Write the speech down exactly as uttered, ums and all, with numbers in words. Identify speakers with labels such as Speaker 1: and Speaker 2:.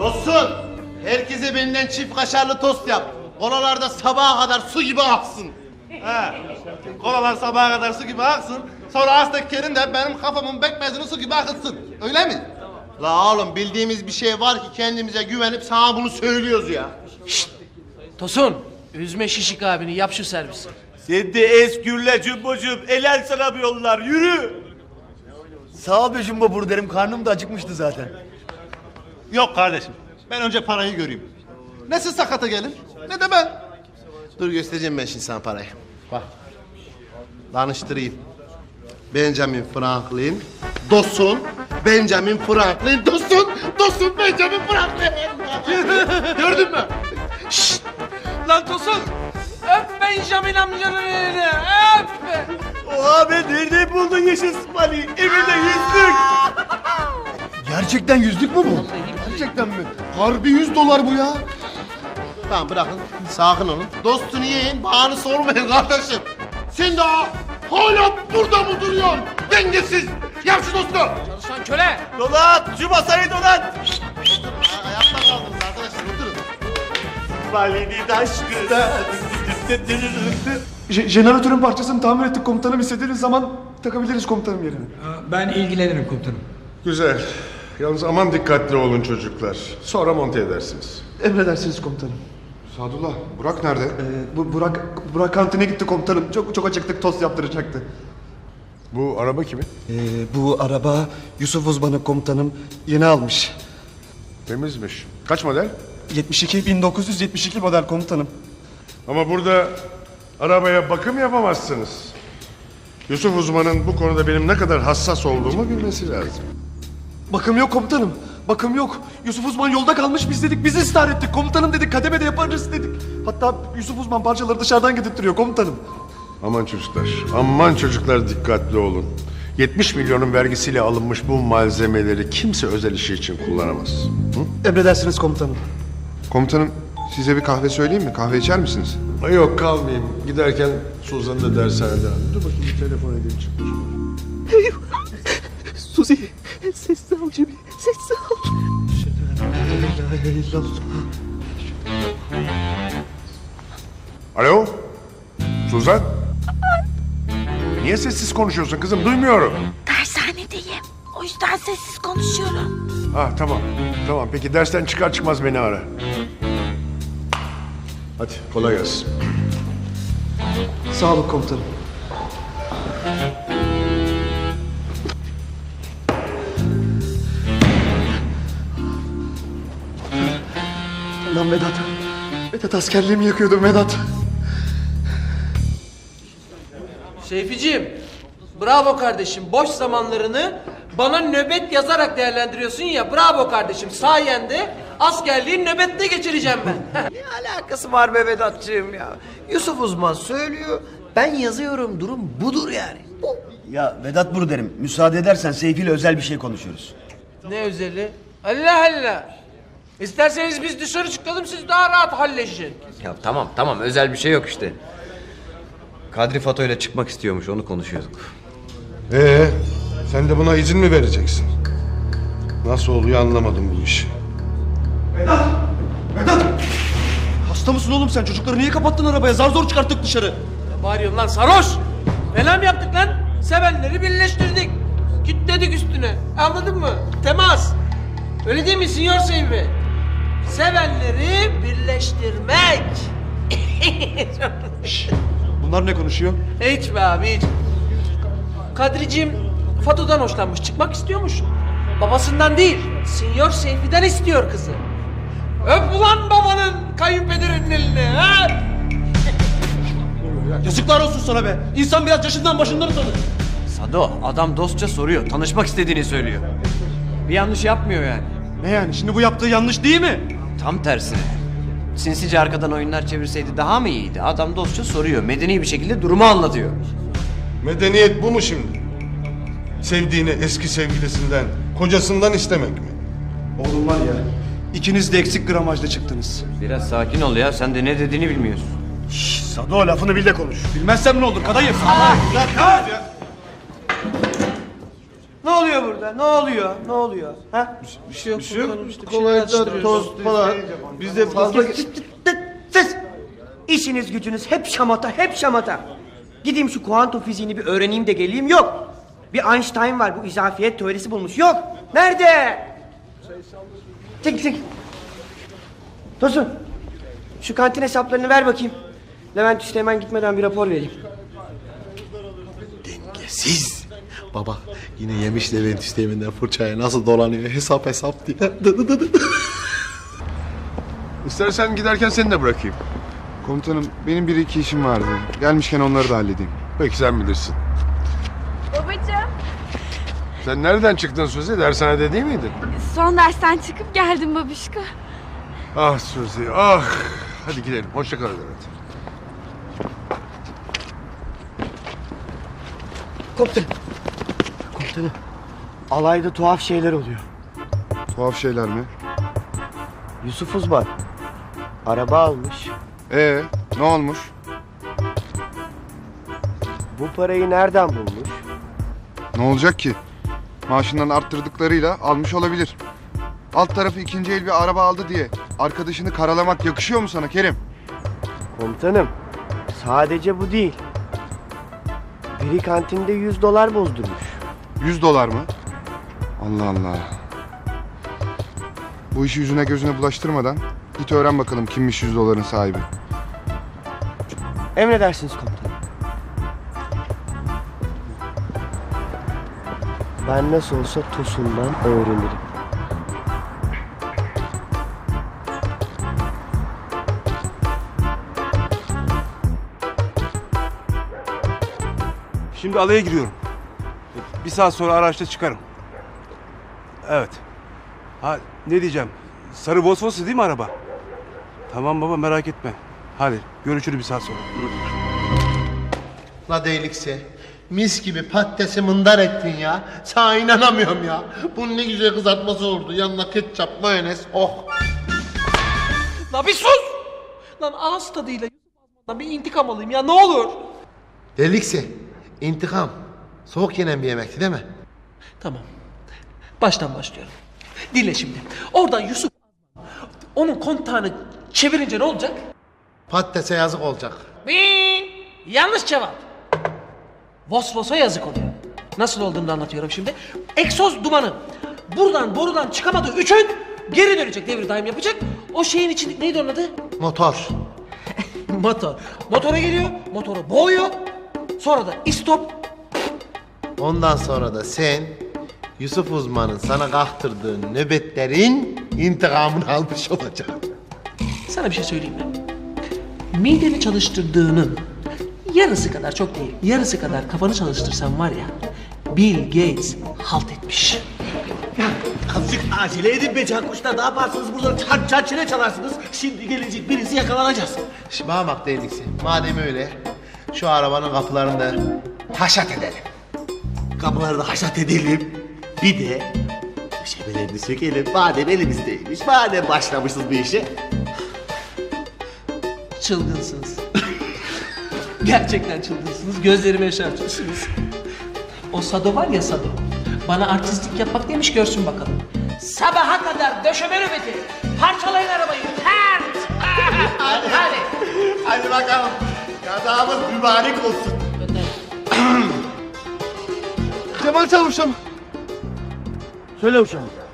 Speaker 1: Dostum, herkese benden çift kaşarlı tost yap. Kolalarda sabaha kadar su gibi aksın. He. Kolalar sabaha kadar su gibi aksın. Sonra Aztek Kerim de benim kafamın bekmezini su gibi akıtsın. Öyle mi? La oğlum, bildiğimiz bir şey var ki kendimize güvenip sana bunu söylüyoruz ya.
Speaker 2: Şşt! Tosun, üzme Şişik abini, yap şu servisi.
Speaker 3: Sen de eskürle Cumbocuğum, el sana bir yollar, yürü.
Speaker 4: Sağ ol be Jumbo burderim, karnım da acıkmıştı zaten.
Speaker 1: Yok kardeşim, ben önce parayı göreyim. Ne siz sakata gelin, ne de ben. Dur göstereceğim ben şimdi sana parayı. Bak, danıştırayım. Benjamin Franklin, Dosun, Benjamin Franklin, Dosun, Dosun, Benjamin Franklin. Gördün mü?
Speaker 2: Şşt! Lan Tosun, öp Benjamin amcanın elini, öp be!
Speaker 3: Oha be, nerede buldun yeşil sıpali? Evinde yüzlük.
Speaker 4: Gerçekten yüzlük mü bu? Gerçekten mi? Harbi yüz dolar bu ya.
Speaker 1: Tamam bırakın, sakin olun. Dostunu yiyin, bağını sormayın kardeşim. Sen daha hala burada mı duruyorsun? Dengesiz! Yap şu dostu!
Speaker 2: Çalışan köle!
Speaker 3: Dolan, şu masayı dolan.
Speaker 1: Ayakta kaldınız arkadaşlar, oturun.
Speaker 3: Valinin aşkı.
Speaker 4: Je jeneratörün parçasını tamir ettik komutanım. İstediğiniz zaman takabiliriz komutanım yerine.
Speaker 5: Ben ilgilenirim komutanım.
Speaker 6: Güzel. Yalnız aman dikkatli olun çocuklar. Sonra monte edersiniz.
Speaker 4: Emredersiniz komutanım.
Speaker 6: Sadullah, Burak nerede?
Speaker 4: Ee, bu Burak Burak kantine gitti komutanım. Çok çok acıktık, tost yaptıracaktı.
Speaker 6: Bu araba kimin?
Speaker 4: Ee, bu araba Yusuf uzmanı komutanım yeni almış.
Speaker 6: Temizmiş. Kaç model?
Speaker 4: yetmiş iki bin dokuz yüz yetmiş iki model komutanım.
Speaker 6: Ama burada arabaya bakım yapamazsınız. Yusuf uzmanın bu konuda benim ne kadar hassas olduğumu bilmesi lazım.
Speaker 4: Bakım yok komutanım. Bakım yok. Yusuf Uzman yolda kalmış, biz dedik, biz ısrar ettik. Komutanım dedik, kademede yaparız dedik. Hatta Yusuf Uzman parçaları dışarıdan getirtiyor komutanım.
Speaker 6: Aman çocuklar, aman çocuklar dikkatli olun. yetmiş milyonun vergisiyle alınmış bu malzemeleri kimse özel işi için kullanamaz. Hı?
Speaker 4: Emredersiniz komutanım.
Speaker 6: Komutanım, size bir kahve söyleyeyim mi? Kahve içer misiniz? Yok, kalmayayım. Giderken Suzan'ı da dershaneden aldım. Dur bakayım, bir telefon edeyim çıkmış.
Speaker 4: Suzi, sessiz ol Cemil, sessiz ol. La ilahe illallah.
Speaker 6: Alo? Suzan? Niye sessiz konuşuyorsun kızım? Duymuyorum.
Speaker 7: Dershanedeyim. O yüzden sessiz konuşuyorum.
Speaker 6: Ah tamam. Tamam peki dersten çıkar çıkmaz beni ara. Hadi kolay gelsin.
Speaker 4: Sağ olun komutanım. Lan Vedat. Vedat askerliğimi yakıyordum Vedat.
Speaker 2: Seyficiğim, bravo kardeşim. Boş zamanlarını bana nöbet yazarak değerlendiriyorsun ya. Bravo kardeşim. Sayende askerliği nöbette geçireceğim ben.
Speaker 8: Ne alakası var be Vedat'cığım ya? Yusuf uzman söylüyor, ben yazıyorum, durum budur yani. Bu.
Speaker 4: Ya Vedat Buru derim, müsaade edersen Seyfi ile özel bir şey konuşuyoruz.
Speaker 2: Ne özeli? Allah Allah. İsterseniz biz dışarı çıkalım, siz daha rahat halleşin.
Speaker 9: Ya tamam tamam özel bir şey yok işte. Kadri Fato ile çıkmak istiyormuş, onu konuşuyorduk.
Speaker 6: Ee, sen de buna izin mi vereceksin? Nasıl oluyor anlamadım bu işi.
Speaker 4: Vedat! Vedat! Hasta mısın oğlum sen? Çocukları niye kapattın arabaya? Zar zor çıkarttık dışarı.
Speaker 2: Ne bağırıyorsun lan sarhoş? Fena mı yaptık lan? Sevenleri birleştirdik. Kitledik üstüne. Anladın mı? Temas. Öyle değil mi Sinyor Seyfi? Sevenleri birleştirmek.
Speaker 4: Bunlar ne konuşuyor?
Speaker 2: Hiç be abi hiç. Kadriciğim Fato'dan hoşlanmış. Çıkmak istiyormuş. Babasından değil. Sinyor Seyfi'den istiyor kızı. Öp ulan babanın kayınpederinin elini. Ha?
Speaker 4: Yazıklar olsun sana be. İnsan biraz yaşından başından utanır.
Speaker 9: Sado, adam dostça soruyor, tanışmak istediğini söylüyor. Bir yanlış yapmıyor yani.
Speaker 4: Ne yani? Şimdi bu yaptığı yanlış değil mi?
Speaker 9: Tam tersine. Sinsice arkadan oyunlar çevirseydi daha mı iyiydi? Adam dostça soruyor, medeni bir şekilde durumu anlatıyor.
Speaker 6: Medeniyet bu mu şimdi? Sevdiğini eski sevgilisinden, kocasından istemek mi?
Speaker 4: Oğlum var ya, ikiniz de eksik gramajda çıktınız.
Speaker 9: Biraz sakin ol ya, sen de ne dediğini bilmiyorsun.
Speaker 4: Sado lafını bil de konuş. Bilmezsem ne olur kadayıf.
Speaker 2: Ne
Speaker 8: oluyor burada? Ne oluyor? Ne oluyor? Ha?
Speaker 2: Bir şey yok. Bir şey yok. İşte
Speaker 1: Kolayca tost falan. Biz de fazla...
Speaker 8: Siz! İşiniz gücünüz hep şamata, hep şamata. Gideyim şu kuantum fiziğini bir öğreneyim de geleyim, yok. Bir Einstein var, bu izafiyet teorisi bulmuş, yok. Nerede? Çek çek. Tosun, şu kantin hesaplarını ver bakayım. Levent Üste hemen gitmeden bir rapor vereyim.
Speaker 1: Siz. Baba yine yemiş Levent Üsteğmen'den fırçaya nasıl dolanıyor hesap hesap diye. Dı dı dı dı.
Speaker 6: İstersen giderken seni de bırakayım.
Speaker 10: Komutanım benim bir iki işim vardı. Gelmişken onları da halledeyim.
Speaker 6: Peki sen bilirsin.
Speaker 7: Babacığım,
Speaker 6: Sen nereden çıktın Suzi? Dershanede değil miydin?
Speaker 7: son dersten çıkıp geldim babişko.
Speaker 6: Ah Suzi ah. Hadi gidelim. Hoşça kal Levent.
Speaker 8: Komutanım. Komutanım. Alayda tuhaf şeyler oluyor.
Speaker 10: Tuhaf şeyler mi?
Speaker 8: Yusuf Uzman araba almış.
Speaker 10: Ee, ne olmuş?
Speaker 8: Bu parayı nereden bulmuş?
Speaker 10: Ne olacak ki? Maaşından arttırdıklarıyla almış olabilir. Alt tarafı ikinci el bir araba aldı diye arkadaşını karalamak yakışıyor mu sana Kerim?
Speaker 8: Komutanım, sadece bu değil. Biri kantinde yüz dolar bozdurmuş.
Speaker 10: Yüz dolar mı? Allah Allah. Bu işi yüzüne gözüne bulaştırmadan git öğren bakalım kimmiş yüz doların sahibi.
Speaker 8: Emredersiniz komutanım. Ben nasıl olsa Tosun'dan öğrenirim.
Speaker 11: Şimdi alaya giriyorum. Bir saat sonra araçta çıkarım. Evet. Ha ne diyeceğim? Sarı Volkswagen değil mi araba? Tamam baba merak etme. Hadi görüşürüz bir saat sonra.
Speaker 1: La değilikse. Mis gibi patatesi mındar ettin ya. Sana inanamıyorum ya. Bunun ne güzel kızartması oldu. Yanına ketçap, mayonez. Oh.
Speaker 2: La bir sus! Lan ağız tadıyla Yusuf Azman'dan bir intikam alayım ya ne olur.
Speaker 1: Delikse. İntikam. Soğuk yenen bir yemekti değil mi?
Speaker 2: Tamam. Baştan başlıyorum. Dinle şimdi. Oradan Yusuf Azman, onun kontağını çevirince ne olacak?
Speaker 1: Patatese yazık olacak.
Speaker 2: Bin. Yanlış cevap. Vosvos'a yazık oluyor. Nasıl olduğunu da anlatıyorum şimdi. Egzoz dumanı. Buradan borudan çıkamadığı üçün geri dönecek, devir daim yapacak. O şeyin içinde neydi onun adı?
Speaker 1: Motor.
Speaker 2: Motor. Motora geliyor, motoru boğuyor. Sonra da istop.
Speaker 1: Ondan sonra da sen Yusuf Uzman'ın sana kaktırdığı nöbetlerin intikamını almış olacaksın.
Speaker 2: Sana bir şey söyleyeyim mi? Mideni çalıştırdığının yarısı kadar, çok değil, yarısı kadar kafanı çalıştırsan var ya, Bill Gates halt etmiş.
Speaker 3: Azıcık acele edin be Cankuşlar. Ne yaparsınız burada çan çan çene çalarsınız. Şimdi gelecek birisi yakalanacağız.
Speaker 1: Şimdi bana bak dediksi. Madem öyle şu arabanın kapılarını da haşat edelim.
Speaker 3: Kapıları da haşat edelim. Bir de döşemelerini sökelim. Madem elimizdeymiş. Madem başlamışız bu işe.
Speaker 2: Çılgınsınız. Gerçekten çılgınsınız. Gözlerimi yaşartıyorsunuz. O Sado var ya Sado. Bana artistlik yapmak demiş görsün bakalım. Sabaha kadar döşeme nöbeti. Parçalayın arabayı. Pert. Hadi hadi.
Speaker 3: Hadi bakalım. Kazamız mübarek olsun.
Speaker 4: Cemal Çavuş'um.
Speaker 8: Söyle uşağım.